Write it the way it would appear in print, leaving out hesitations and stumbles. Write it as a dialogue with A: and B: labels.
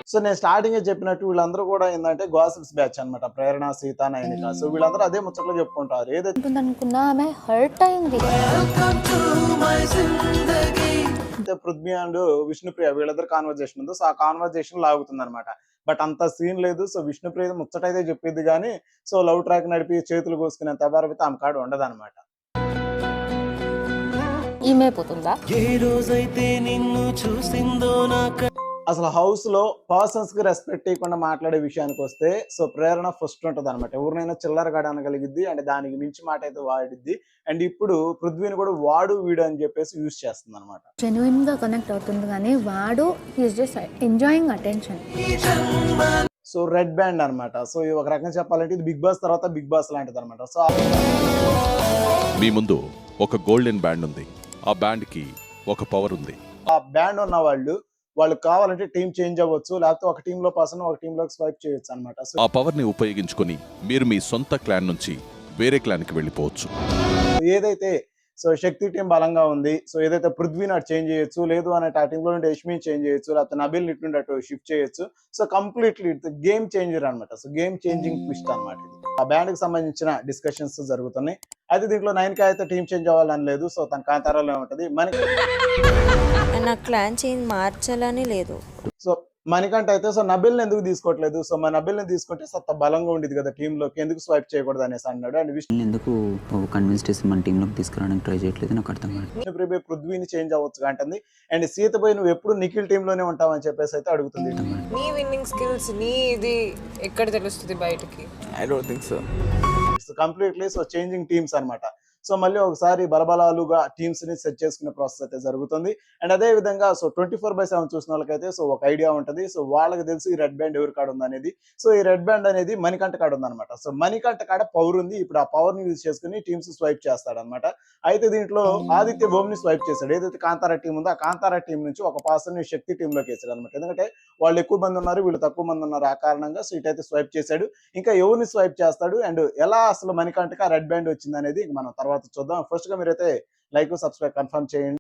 A: So నేను స్టార్టింగే చెప్పినట్టు వీళ్ళందరూ కూడా ఏందంటే గాసిప్స్ బ్యాచ్ అన్నమాట. ప్రేరణ, సీత, నయనిక. సో వీళ్ళందరూ అదే ముచ్చట్లు చెప్పుకుంటారు. ఏదైతే
B: ఉంటుందనుకున్నా ఆమె హర్ట్ అయింది.
A: పృథ్వీ అండ్ విష్ణుప్రియ వీళ్ళిద్దరు కాన్వర్జేషన్ ఉందో, సో ఆ కాన్వర్జేషన్ లాగుతుందన్నమాట. బట్ అంత సీన్ లేదు. సో విష్ణుప్రియ ముచ్చటైతే చెప్పిద్ది గానీ, సో లవ్ ట్రాక్ నడిపి చేతులు కోసుకునేంత అపారమైతే ఆమె కాడ ఉండదన్నమాట.
B: ఈమె పోతుందా?
C: ఏ రోజైతే నిన్ను చూసిందో
A: అసలు హౌస్‌లో పర్సన్స్‌కి రెస్పెక్ట్ ఇయ్యకుండా మాట్లాడే విషయానికొస్తే, సో ప్రేరణ ఫస్ట్ ఉంటదన్నమాట. ఎవరినైనా చిల్లరగాడు అనగలిగిద్ది. అండ్ దానికి మించి మాట అయితే వాడిద్ది. అండ్ ఇప్పుడు పృథ్వీని కూడా వాడు, వీడు అని చెప్పేసి యూజ్ చేస్తుందన్నమాట.
B: జెన్యూన్‌గా కనెక్ట్ అవుతుంది కానీ వాడు he is just enjoying attention.
A: So red band అన్నమాట. సో ఇది ఒక రకంగా చెప్పాలంటే ఇది బిగ్ బాస్ తర్వాత బిగ్ బాస్ లాంటిదన్నమాట. సో
D: మీ ముందు ఒక గోల్డెన్ బ్యాండ్ ఉంది. ఆ బ్యాండ్‌కి ఒక పవర్ ఉంది.
A: ఆ బ్యాండ్ ఉన్న వాళ్ళు కావాలంటే టీమ్ చేంజ్ అవ్వచ్చు. లేకపోతే ఒక టీంలో పర్సన్ ఒక టీంలోకి స్వైప్ చేయొచ్చు అన్నమాట. సో
D: ఆ పవర్‌ని ఉపయోగించుకొని మీరు మీ సొంత క్లాన్ నుంచి వేరే క్లాన్‌కి వెళ్ళిపోవచ్చు.
A: ఏదైతే సో శక్తి టీం బలంగా ఉంది. సో ఏదైతే పృథ్వీని అటు చేంజ్ చేయొచ్చు. లేదు అంటే ఆ టీంలో నుండి యష్మిని చేంజ్ చేయొచ్చు. లేకపోతే నబిల్‌ని ఇటు నుండి అటు షిఫ్ట్ చేయొచ్చు. సో కంప్లీట్లీ గేమ్ చేంజర్ అన్నమాట. సో గేమ్ చేంజింగ్ ట్విస్ట్ అన్నమాట ఇది. ఆ బ్యాండ్‌కి సంబంధించిన డిస్కషన్స్ జరుగుతున్నాయి. అయితే దీంట్లో నయనిక అయితే టీమ్ చేంజ్ అవ్వాలని లేదు. సో తన కాంతారాలోనే ఉంటది.
E: నా క్లాన్ చేంజ్ మార్చాలని లేదు.
A: సో మణికంఠ అయితే సో నబిల్‌ని ఎందుకు తీసుకోవట్లేదు? సో నబిల్‌ని తీసుకుంటే సత్త బలంగా ఉండేది కదా టీంలోకి. ఎందుకు స్వైప్ చేయకూడదు అనేసి అన్నాడు. అండ్
F: ఎందుకు కన్విన్స్ చేసి మన టీంలోకి తీసుకురావడానికి ట్రై చేయట్లేదు నాకు అర్థం కాదు.
A: విష్ణుప్రియ పృథ్వీని చేంజ్ అవ్వచ్చు అంటుంది. అండ్ సీత పోయి నువ్వు ఎప్పుడు నిఖిల్ టీంలోనే ఉంటావని చెప్పేసి అయితే అడుగుతుంది.
G: నీ విన్నింగ్ స్కిల్స్ నీ ఇది ఎక్కడ తెలుస్తుంది బయటికి?
C: I don't think so.
A: Completely so changing teams అన్నమాట. సో మళ్ళీ ఒకసారి బలబలాలుగా టీమ్స్ ని సెట్ చేసుకునే ప్రాసెస్ అయితే జరుగుతుంది. అండ్ అదే విధంగా సో 24/7 చూసిన వాళ్ళకైతే సో ఒక ఐడియా ఉంటది. సో వాళ్ళకి తెలుసు ఈ రెడ్ బ్యాండ్ ఎవరి కాడ ఉంది అనేది. సో ఈ రెడ్ బ్యాండ్ అనేది మణికంఠ కాడ ఉందన్నమాట. సో మణికంఠ కాడ పవర్ ఉంది. ఇప్పుడు ఆ పవర్ ని యూజ్ చేసుకుని టీమ్స్ స్వైప్ చేస్తాడన్నమాట. అయితే దీంట్లో ఆదిత్య ఓం ని స్వైప్ చేశాడు. ఏదైతే కాంతారా టీం ఉందో ఆ కాంతారా టీం నుంచి ఒక పర్సన్ ని శక్తి టీంలోకి వేసాడు అనమాట. ఎందుకంటే వాళ్ళు ఎక్కువ మంది ఉన్నారు, వీళ్ళు తక్కువ మంది ఉన్నారు. ఆ కారణంగా సో ఇటైతే స్వైప్ చేశాడు. ఇంకా ఎవరిని స్వైప్ చేస్తాడు అండ్ ఎలా అసలు మణికంఠకి ఆ రెడ్ బ్యాండ్ వచ్చింది అనేది మనం తర్వాత చూద్దాం. ఫస్ట్ గా మీరైతే లైక్, సబ్స్క్రైబ్ కన్ఫర్మ్ చేయండి.